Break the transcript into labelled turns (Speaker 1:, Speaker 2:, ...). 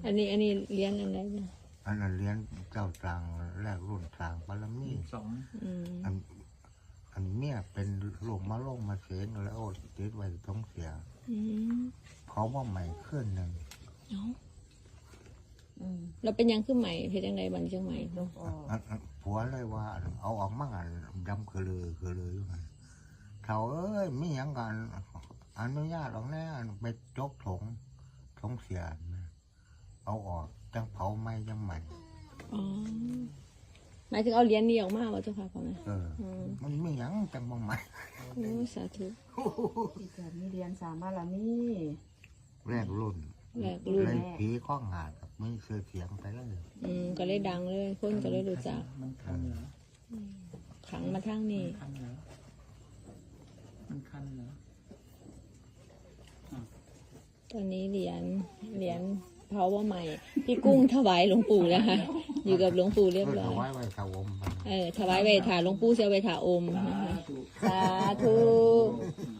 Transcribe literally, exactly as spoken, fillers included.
Speaker 1: อันนี้อันนี้เลี้ยงอะไรนะ
Speaker 2: อันนั้นเลี้ยงเจ้าตรังแรกรุ่นตรังปารมี
Speaker 3: สอง
Speaker 1: อืม
Speaker 2: อันอันเนี้ยเป็นโรคมะโรงมาเสนแล้วติดไว้ท้องเสีย
Speaker 1: อืม
Speaker 2: เขาว่าใหม่ขึ้นหนึ่ง
Speaker 1: เนาะ
Speaker 4: อืม
Speaker 1: เราเป็นยังขึ้นใหม่เพชรยังไงบันเชียงใหม่
Speaker 4: ลูกออก
Speaker 2: อันอันผัวเลยว่าอันเอาออกมาอันดำคือเลยคือเลยอยู่มันเขาเอ้ยไม่ยังกันอนุญาตออกแน่ไปจกถงถงเสียนะเอาออกจังเผาไหม้ยังใหม่
Speaker 1: อ๋อหมายถึงเอาเหรียญนี้ออกมาว่าเจ้าค่ะพ่อแม่
Speaker 2: เออ
Speaker 1: อืม
Speaker 2: มันไม่ยังจังบ่ใหม่
Speaker 1: โอ้สาธุ
Speaker 4: ที่เกิดมีเรียนสามบารมี
Speaker 2: แรกรุ่น
Speaker 1: แหลกรุ่น
Speaker 2: เลยผีข้องหาดกับไม่เสือเสียงไปเลย
Speaker 1: อืมก็เลยดังเลยคนก็เลยรู้จัก
Speaker 3: มันคันเหรอ
Speaker 1: ขังมาทั้งนี้
Speaker 3: คันเหรอมันคันเหรอ
Speaker 1: ตอนนี้เหรียญเหรียญเผาว่าใหม่พี่กุ้งถวายหลวงปู่แล้วค่ะอยู่กับหลวงปู่เรียบ
Speaker 2: เพื่อ
Speaker 1: ร้อ
Speaker 2: ถ
Speaker 1: ย
Speaker 2: วายไว้ถาวม
Speaker 1: เออถวายไปถาหลวงปู่เสียไปถาอมนะคะสาธุ
Speaker 3: อืม